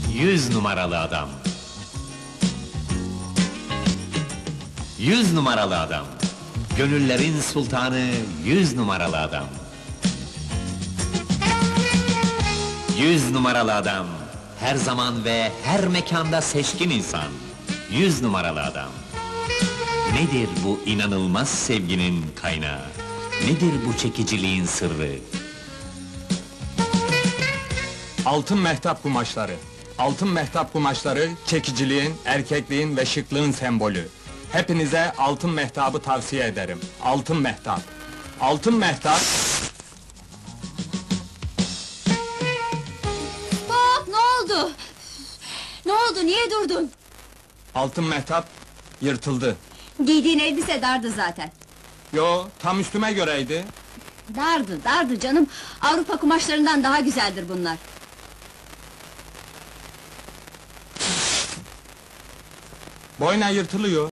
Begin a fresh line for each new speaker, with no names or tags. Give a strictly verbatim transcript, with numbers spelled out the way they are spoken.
Yüz numaralı adam. Yüz numaralı adam. Gönüllerin sultanı, yüz numaralı adam. Yüz numaralı adam. Her zaman ve her mekanda seçkin insan. Yüz numaralı adam. Nedir bu inanılmaz sevginin kaynağı? Nedir bu çekiciliğin sırrı?
Altın mehtap kumaşları. Altın mehtap kumaşları, çekiciliğin, erkekliğin ve şıklığın sembolü. Hepinize altın mehtabı tavsiye ederim. Altın mehtap. Altın mehtap...
Hop, ne oldu? Ne oldu, niye durdun?
Altın mehtap yırtıldı.
Giydiğin elbise dardı zaten.
Yo, tam üstüme göreydi.
Dardı, dardı canım. Avrupa kumaşlarından daha güzeldir bunlar.
Boyna yırtılıyor.